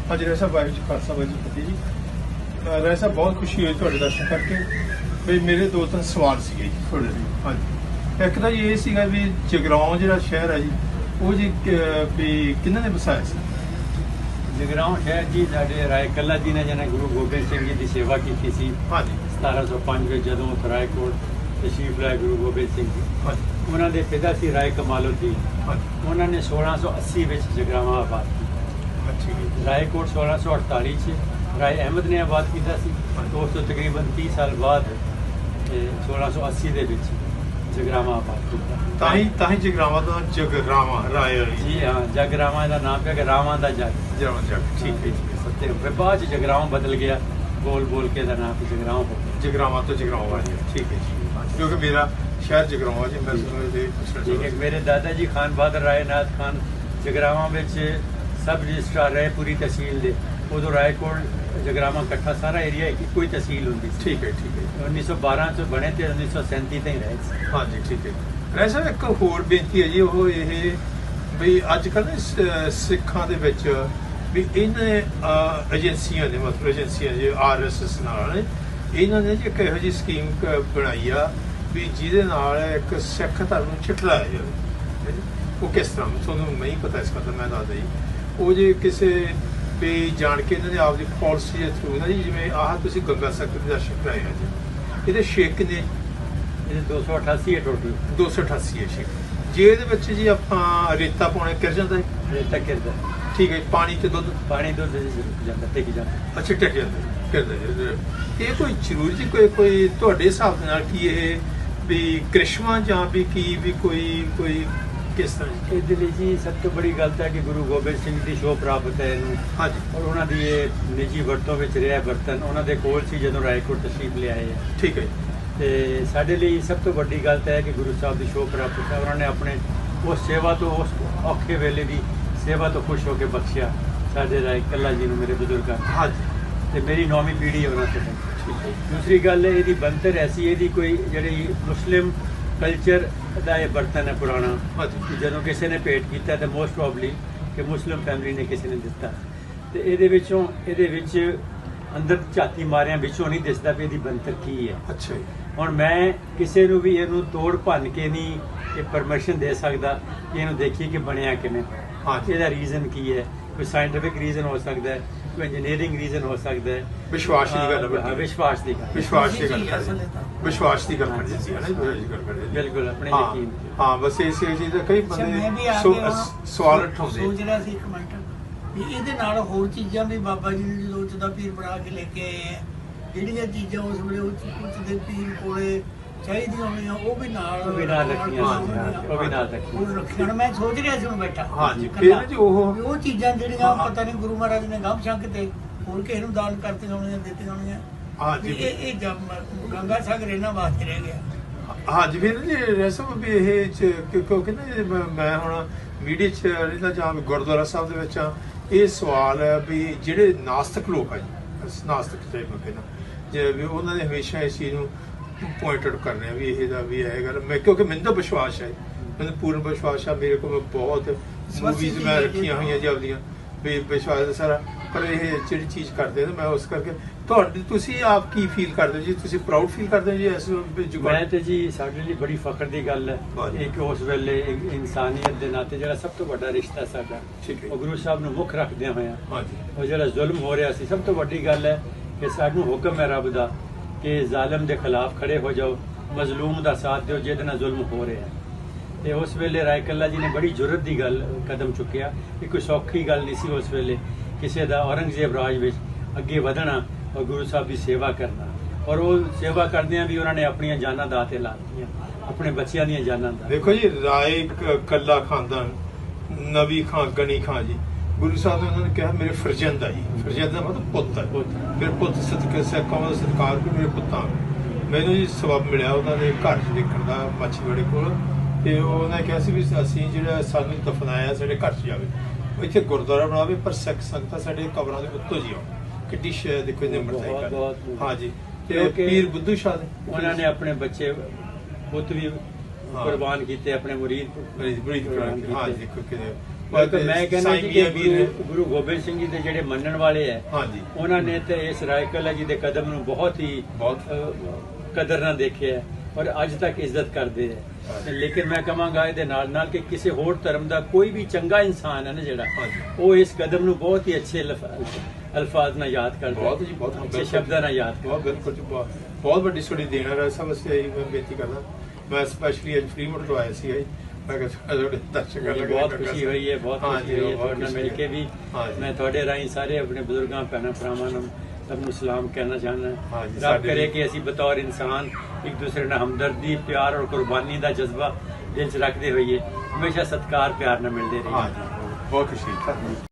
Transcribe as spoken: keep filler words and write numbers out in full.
हाँ जी राय साहब, वाहिगुरू जी खालसा वाहिगुरू जी फतेह जी। राय साहब बहुत खुशी हुई तुहाडे दर्शन करके। भी मेरे दो तीन सवाल सीगे जी थोड़े लिए। हाँ जी, एक तो जी ये सीगा भी जगराओं जिहड़ा शहर है जी, वो जी भी किन्हां ने वसाया सी? जगराओं शहर जी साडे राय कल्ला जी ने जिन्हें गुरु गोबिंद सिंह जी की सेवा की थी। हाँ जी। सतारा सौ पांच में जदों रायकोट तशरीफ लाए गुरु गोबिंद सिंह जी, हाँ जी। उन्होंने पिता सी राय कमालुद्दीन, हाँ जी। उन्होंने सोलह सौ अस्सी में जगरावां आबाद किया। अच्छा जी। रायकोट सोलह सौ अड़ताली च राय अहमद ने आबाद किया सी। तो उस तो तकरीबन तीस साल बाद सोलह सौ अस्सी दे विच जगरावां आबाद किया। ताही ताही जगरावां दा जगरावां राय वाली। जी हाँ, जगरावां दा नाम है कि रावां दा जग। जगरावां जग, ठीक है जी। सत्य फिर बाद च जगरावां बदल गया, बोल बोल के दा नाम जगरावां हो गया। जगरावां तो जगरावां वाली है, ठीक है जी। क्योंकि मेरा शहर जगरावां जी, मैं समझ ठीक है। मेरे दादा जी खान बहादुर रायनाथ खान जगरावां में सब रजिस्ट्रार रहे पूरी तहसील दे। उदो रायकोट जगरावां कट्ठा सारा एरिया एक कोई तहसील होंगी। ठीक है, ठीक है। उन्नीस सौ बारह च बने थे, उन्नीस सौ सैंती तक रहे। हाँ जी, ठीक है। राय साहब एक होर बेनती है जी, वो ये भी अजकल ना सिखां दे विच भी इन एजेंसियां ने, मतलब एजेंसियां जी आर एस एस नाल इन्होंने जी एक इहो जी स्कीम बनाई आ भी जिहदे नाल एक सिख धर्म नूं झिठलाया जाए। वो किस तरह तुहानूं नहीं पता इस गल दा, मैं दसदा जी। वो जी किसी भी जान के इन्होंने आपकी पॉलिसी के थ्रू ना जी, जिवें आह तुसीं गंगा सागर दे दर्शन कराए आ जी, ਇਹਦੇ ਛੇ ਕਿੰਨੇ? ਇਹਦੇ दो सौ अठासी है टोटल। दो सौ अठासी है ਛੇ। ਜੇ ਇਹਦੇ ਵਿੱਚ ਜੀ ਆਪਾਂ ਰੇਤਾ ਪਾਉਣੇ ਕਿਰ ਜਾਂਦਾ ਹੈ? ਰੇਤਾ ਕਿਰਦਾ। ਠੀਕ ਹੈ। ਪਾਣੀ ਤੇ ਦੁੱਧ? ਪਾਣੀ ਦੁੱਧ ਰੁਕ ਜਾਂਦਾ, ਟਿਕ ਜਾਂਦਾ। ਅੱਛਾ, ਟਿਕ ਜਾਂਦਾ, ਕਿਰਦਾ ਜੀ। ਇਹ ਕੋਈ ਜ਼ਰੂਰੀ ਜੀ ਕੋਈ ਕੋਈ ਤੁਹਾਡੇ ਹਿਸਾਬ ਦੇ ਨਾਲ ਕੀ ਇਹ ਵੀ ਕ੍ਰਿਸ਼ਮਾ ਜਾਂ ਵੀ ਕੀ ਵੀ ਕੋਈ ਕੋਈ ਕਿਸ ਤਰ੍ਹਾਂ? ਇਹਦੇ ਲਈ ਜੀ ਸਭ ਤੋਂ ਬੜੀ ਗੱਲ ਤਾਂ ਹੈ ਕਿ ਗੁਰੂ ਗੋਬਿੰਦ ਸਿੰਘ ਦੀ ਸ਼ੋਅ ਪ੍ਰਾਪਤ ਹੈ ਇਹਨੂੰ। ਹਾਂਜੀ। ਔਰ ਉਹਨਾਂ ਦੀ ਇਹ ਨਿੱਜੀ ਵਰਤੋਂ ਵਿੱਚ ਰਿਹਾ ਬਰਤਨ ਉਹਨਾਂ ਦੇ ਕੋਲ ਸੀ ਜਦੋਂ ਰਾਏਕੋਟ ਤਸ਼ਰੀਫ ਲਿਆਏ ਹੈ। ਠੀਕ ਹੈ। ਤੇ ਸਾਡੇ ਲਈ ਸਭ ਤੋਂ ਵੱਡੀ ਗੱਲ ਤਾਂ ਹੈ ਕਿ ਗੁਰੂ ਸਾਹਿਬ ਦੀ ਸ਼ੋਅ ਪ੍ਰਾਪਤ ਹੈ। ਉਹਨਾਂ ਨੇ ਆਪਣੇ ਉਸ ਸੇਵਾ ਤੋਂ, ਉਸ ਔਖੇ ਵੇਲੇ ਦੀ ਸੇਵਾ ਤੋਂ ਖੁਸ਼ ਹੋ ਕੇ ਬਖਸ਼ਿਆ ਸਾਡੇ ਰਾਏ ਕੱਲਾ ਜੀ ਨੂੰ, ਮੇਰੇ ਬਜ਼ੁਰਗਾਂ। ਹਾਂਜੀ। ਤੇ ਮੇਰੀ ਨੌਵੀਂ ਪੀੜ੍ਹੀ ਉਹਨਾਂ ਤੋਂ। ਠੀਕ ਹੈ। ਦੂਸਰੀ ਗੱਲ ਇਹਦੀ ਬਣਤਰ ਐਸੀ, ਇਹਦੀ ਕੋਈ ਜਿਹੜੀ ਮੁਸਲਿਮ ਕਲਚਰ ਦਾ ਇਹ ਬਰਤਨ ਹੈ ਪੁਰਾਣਾ। ਹਾਂਜੀ। ਜਦੋਂ ਕਿਸੇ ਨੇ ਭੇਟ ਕੀਤਾ ਤਾਂ ਮੋਸਟ ਪ੍ਰੋਬਬਲੀ ਕਿ ਮੁਸਲਿਮ ਫੈਮਿਲੀ ਨੇ ਕਿਸੇ ਨੇ ਦਿੱਤਾ। ਤੇ ਇਹਦੇ ਵਿੱਚੋਂ ਇਹਦੇ ਵਿੱਚ ਅੰਦਰ ਝਾਤੀ ਮਾਰਿਆਂ ਵਿੱਚੋਂ ਨਹੀਂ ਦਿਸਦਾ ਵੀ ਇਹਦੀ ਬਣਤਰ ਕੀ ਹੈ। ਅੱਛਾ ਜੀ। ਹੁਣ ਮੈਂ ਕਿਸੇ ਨੂੰ ਵੀ ਇਹਨੂੰ ਤੋੜ ਭੰਨ ਕੇ ਨਹੀਂ ਇਹ ਪਰਮਿਸ਼ਨ ਦੇ ਸਕਦਾ ਕਿ ਇਹਨੂੰ ਦੇਖੀਏ ਕਿ ਬਣਿਆ ਕਿਵੇਂ। ਹਾਂ। ਇਹਦਾ ਰੀਜ਼ਨ ਕੀ ਹੈ? ਕੋਈ ਸਾਇੰਟੀਫਿਕ ਰੀਜ਼ਨ ਹੋ ਸਕਦਾ ਹੈ, ਕੋਈ ਇੰਜੀਨੀਅਰਿੰਗ ਰੀਜ਼ਨ ਹੋ ਸਕਦਾ ਹੈ। ਵਿਸ਼ਵਾਸ ਦੀ ਗੱਲ ਹੈ। ਹਾਂ, ਵਿਸ਼ਵਾਸ ਦੀ ਗੱਲ। ਵਿਸ਼ਵਾਸ ਦੀ ਗੱਲ ਕਰਦੇ, ਵਿਸ਼ਵਾਸ ਦੀ ਗੱਲ ਕਰਦੇ ਸੀ, ਹੈ ਨਾ ਜੀ ਗੱਲ ਕਰਦੇ। ਬਿਲਕੁਲ ਆਪਣੇ ਯਕੀਨ। ਹਾਂ, ਬਸ ਇਸੇ ਚੀਜ਼ ਦਾ ਕਈ ਬੰਦੇ ਸਵਾਲ ਉਠਾਉਂਦੇ। ਸੋਚ ਰਿਹਾ ਸੀ ਇੱਕ ਮਿੰਟ ਵੀ ਇਹਦੇ ਨਾਲ ਹੋਰ ਚੀਜ਼ਾਂ ਵੀ ਬਾਬਾ ਜੀ ਨੇ ਜਦੋਂ ਉੱਚ ਦਾ ਪੀਰ ਬਣਾ ਕੇ ਲੈ ਕੇ ਆਏ ਆ, ਜਿਹੜੀਆਂ ਚੀਜ਼ਾਂ ਉਸ ਵੇਲੇ ਉੱਚ ਦੇ ਪੀਰ ਕੋਲੇ ਚਾਹੀਦੀਆਂ ਹੋਣੀਆਂ ਉਹ ਵੀ ਨਾਲ ਉਹ ਵੀ ਨਾਲ ਰੱਖੀਆਂ, ਉਹ ਵੀ ਨਾਲ ਰੱਖੀਆਂ। ਉਹ ਰੱਖੀਆਂ। ਮੈਂ ਸੋਚ ਰਿਹਾ ਸੀ ਹੁਣ ਬੈਠਾ। ਹਾਂਜੀ। ਫਿਰ ਜੀ ਉਹ ਉਹ ਚੀਜ਼ਾਂ ਜਿਹੜੀਆਂ ਪਤਾ ਨਹੀਂ ਗੁਰੂ ਮਹਾਰਾਜ ਨੇ ਗੰਭ ਛੰਕ ਤੇ ਹੋਰ ਕਿਸੇ ਨੂੰ ਦਾਨ ਕਰਤੀਆਂ ਹੋਣੀਆਂ, ਦਿੱਤੀਆਂ ਹੋਣੀਆਂ। ਹਾਂਜੀ। ਇਹ ਇਹ ਗੰਗਾ ਸਾਗਰ ਇਹਨਾਂ ਵਾਸਤੇ ਰਹਿ ਗਿਆ। ਹਾਂਜੀ। ਫਿਰ ਜੀ ਰਸਮ ਵੀ ਇਹ ਕਿਉਂਕਿ ਨਾ ਮੈਂ ਹੁਣ ਮੀਡੀਆ 'ਚ ਰਹਿੰਦਾ ਜਾਂ ਗੁਰਦੁਆਰਾ ਸਾਹਿਬ ਦੇ ਵਿੱਚ ਇਹ ਸਵਾਲ ਹੈ ਵੀ ਜਿਹੜੇ ਨਾਸਤਕ ਲੋਕ ਆ ਜੀ, ਨਾਸਤਕ ਟਾਈਪ ਕਹਿੰਦਾ ਜੇ ਵੀ ਉਹਨਾਂ ਨੇ ਹਮੇਸ਼ਾ ਇਸ ਚੀਜ਼ ਨੂੰ ਪੁਆਇੰਟ ਆਊਟ ਕਰਨੇ ਆ ਵੀ ਇਹ ਦਾ ਵੀ ਇਹ ਗੱਲ। ਮੈਂ ਕਿਉਂਕਿ ਮੈਨੂੰ ਤਾਂ ਵਿਸ਼ਵਾਸ ਹੈ, ਮੈਨੂੰ ਪੂਰਨ ਵਿਸ਼ਵਾਸ ਆ। ਮੇਰੇ ਕੋਲ ਬਹੁਤ ਮੂਵੀਜ਼ ਮੈਂ ਰੱਖੀਆਂ ਹੋਈਆਂ ਜੀ ਆਪਦੀਆਂ ਵੀ ਵਿਸ਼ਵਾਸ ਹੈ ਸਾਰਾ। ਪਰ ਇਹ ਜਿਹੜੀ ਚੀਜ਼ ਕਰਦੇ ਨੇ ਮੈਂ ਉਸ ਕਰਕੇ ਤੁਹਾਡੀ ਤੁਸੀਂ ਆਪ ਕੀ ਫੀਲ ਕਰਦੇ ਹੋ ਜੀ? ਤੁਸੀਂ ਪ੍ਰਾਊਡ ਫੀਲ ਕਰਦੇ ਹੋ ਜੀ ਇਸ? ਮੈਂ ਤੇ ਜੀ ਸਾਡੇ ਲਈ ਬੜੀ ਫਖਰ ਦੀ ਗੱਲ ਹੈ ਕਿ ਉਸ ਵੇਲੇ ਇਨਸਾਨੀਅਤ ਦੇ ਨਾਤੇ ਜਿਹੜਾ ਸਭ ਤੋਂ ਵੱਡਾ ਰਿਸ਼ਤਾ ਸਾਡਾ ਉਹ ਗੁਰੂ ਸਾਹਿਬ ਨੂੰ ਮੁੱਖ ਰੱਖਦਿਆਂ ਹੋਇਆ ਉਹ ਜਿਹੜਾ ਜ਼ੁਲਮ ਹੋ ਰਿਹਾ ਸੀ, ਸਭ ਤੋਂ ਵੱਡੀ ਗੱਲ ਹੈ ਕਿ ਸਾਨੂੰ ਹੁਕਮ ਹੈ ਰੱਬ ਦਾ ਕਿ ਜ਼ਾਲਮ ਦੇ ਖਿਲਾਫ ਖੜੇ ਹੋ ਜਾਓ, ਮਜ਼ਲੂਮ ਦਾ ਸਾਥ ਦਿਓ ਜਿਹਦੇ ਨਾਲ ਜ਼ੁਲਮ ਹੋ ਰਿਹਾ। ਤੇ ਉਸ ਵੇਲੇ ਰਾਏ ਕੱਲਾ ਜੀ ਨੇ ਬੜੀ ਜੁਰਤ ਦੀ ਗੱਲ ਕਦਮ ਚੁੱਕਿਆ। ਇਹ ਕੋਈ ਸੌਖੀ ਗੱਲ ਨਹੀਂ ਸੀ ਉਸ ਵੇਲੇ ਕਿਸੇ ਦਾ ਔਰੰਗਜ਼ੇਬ ਰਾਜ ਵਿੱਚ ਅੱਗੇ ਵਧਣਾ ਔਰ ਗੁਰੂ ਸਾਹਿਬ ਦੀ ਸੇਵਾ ਕਰਨਾ। ਔਰ ਉਹ ਸੇਵਾ ਕਰਦਿਆਂ ਵੀ ਉਹਨਾਂ ਨੇ ਆਪਣੀਆਂ ਜਾਨਾਂ ਦਾਅ ਤੇ ਲਾ ਦਿੱਤੀਆਂ, ਆਪਣੇ ਬੱਚਿਆਂ ਦੀਆਂ ਜਾਨਾਂ ਦਾ। ਦੇਖੋ ਜੀ ਰਾਏ ਕੱਲਾ ਖਾਨਦਾਨ, ਨਵੀ ਖਾਂ, ਗਣੀ ਖਾਂ ਜੀ, ਗੁਰੂ ਸਾਹਿਬ ਨੇ ਉਹਨਾਂ ਨੇ ਕਿਹਾ ਮੇਰੇ ਫਰਜ਼ੰਦ ਆ ਜੀ। ਫਰਜ਼ੰਦ ਦਾ ਮਤਲਬ ਪੁੱਤ ਹੈ। ਮੇਰੇ ਪੁੱਤ ਸਦਕੇ ਸਿੱਖਾਂ ਦਾ ਸਤਿਕਾਰ ਵੀ ਮੇਰੇ ਪੁੱਤਾਂ। ਮੈਨੂੰ ਜੀ ਸਬਬ ਮਿਲਿਆ ਉਹਨਾਂ ਦੇ ਘਰ 'ਚ ਦੇਖਣ ਦਾ ਮਾਛੀਵਾੜੇ ਕੋਲ, ਤੇ ਉਹਨੇ ਕਿਹਾ ਸੀ ਵੀ ਅਸੀਂ ਜਿਹੜਾ ਸਾਨੂੰ ਦਫਨਾਇਆ ਸਾਡੇ ਘਰ 'ਚ ਜਾਵੇ, ਇੱਥੇ ਗੁਰਦੁਆਰਾ ਬਣਾਵੇ ਪਰ ਸਿੱਖ ਸੰਗਤਾਂ ਸਾਡੇ ਕਬਰਾਂ ਦੇ ਉੱਤੋਂ ਜੀ ਆਉਣ। ਕਿੱਡੀ ਸ਼ਾਇਦ ਦੇਖੋ ਨਿਮਰਤਾ ਕਰ। ਹਾਂ ਜੀ। ਤੇ ਪੀਰ ਬੁੱਧੂ ਸ਼ਾਹ ਦੇ ਉਹਨਾਂ ਨੇ ਆਪਣੇ ਬੱਚੇ ਪੁੱਤ ਵੀ ਕੁਰਬਾਨ ਕੀਤੇ, ਆਪਣੇ ਮੁਰੀਦ ਮੁਰੀਦ ਕੁਰਬਾਨ ਕੀਤੇ। ਹਾਂ ਦੇਖੋ ਕਿ ਕਿਉਂਕਿ ਮੈਂ ਕਹਿੰਦਾ ਸਾਈਂ ਜੀ ਮੀਆਂ ਕਿ ਵੀਰ ਗੁਰੂ ਗੁਰੂ ਗੋਬਿੰਦ ਸਿੰਘ ਜੀ ਦੇ ਜਿਹੜੇ ਮੰਨਣ ਵਾਲੇ ਹੈ ਹਾਂਜੀ ਉਹਨਾਂ ਨੇ ਤੇ ਇਸ ਰਾਇਕਲਾ ਜੀ ਦੇ ਕਦਮ ਨੂੰ ਬਹੁਤ ਹੀ ਬਹੁਤ ਅਹ, ਕਦਰ ਨਾਲ ਦੇਖਿਆ ਹੈ ਔਰ ਅੱਜ ਤੱਕ ਇੱਜ਼ਤ ਕਰਦੇ ਹੈ ਤੇ ਲੇਕਿਨ ਮੈਂ ਕਹਾਂਗਾ ਇਹਦੇ ਨਾਲ ਨਾਲ ਕਿ ਕਿਸੇ ਹੋਰ ਧਰਮ ਦਾ ਕੋਈ ਵੀ ਚੰਗਾ ਇਨਸਾਨ ਹੈ ਨਾ ਜਿਹੜਾ ਹਾਂਜੀ। ਉਹ ਇਸ ਕਦਮ ਨੂੰ ਬਹੁਤ ਹੀ ਅੱਛੇ ਲਫ- ਅਲਫਾਜ਼ ਨਾਲ ਯਾਦ ਕਰਦਾ ਹੈ, ਬਹੁਤ ਜੀ ਬਹੁਤ ਅੱਛੇ ਸ਼ਬਦਾਂ ਨਾਲ ਯਾਦ ਕਰਦਾ ਬਹੁਤ ਬਿਲਕੁਲ ਜੀ, ਬਹੁਤ ਬਹੁਤ ਵੱਡੀ ਤੁਹਾਡੀ ਦੇਣ ਹੈ ਸਭ ਅਸੀਂ ਇਹੀ ਮੈਂ ਬੇਨਤੀ ਕਰਦਾ ਮੈਂ ਸਪੈਸ਼ਲੀ ਅੱਜ ਫਰੀਮੋਟ ਤੋਂ ਆਇਆ ਸੀ ਮੈਂ ਕਿਹਾ ਤੁਹਾਡੇ ਦਰਸ਼ਕਾਂ ਮੈਨੂੰ ਲੱਗੇ ਬਹੁਤ ਖੁਸ਼ੀ ਹੋਈ ਹੈ ਬਹੁਤ ਖੁਸ਼ੀ ਹੋਈ ਹੈ ਤੁਹਾਡੇ ਨਾਲ ਮਿਲ ਕੇ ਵੀ ਹਾਂਜੀ। ਮੈਂ ਤੁਹਾਡੇ ਰਾਹੀਂ ਸਾਰੇ ਆਪਣੇ ਬਜ਼ੁਰਗਾਂ ਭੈਣਾਂ ਭਰਾਵਾਂ ਨੂੰ ਸਭ ਨੂੰ ਸਲਾਮ ਕਹਿਣਾ ਚਾਹੁੰਦਾ ਹਾਂਜੀ, ਰੱਬ ਸਾਡੇ ਕਰੇ ਵੀ। ਕਿ ਅਸੀਂ ਬਤੌਰ ਇਨਸਾਨ ਇੱਕ ਦੂਸਰੇ ਨਾਲ ਹਮਦਰਦੀ ਪਿਆਰ ਔਰ ਕੁਰਬਾਨੀ ਦਾ ਜਜ਼ਬਾ ਦਿਲ 'ਚ ਰੱਖਦੇ ਹੋਈਏ ਹਮੇਸ਼ਾ ਸਤਿਕਾਰ ਪਿਆਰ ਨਾਲ ਮਿਲਦੇ ਰਹੀਏ ਹਾਂਜੀ ਬਹੁਤ ਖੁਸ਼ੀ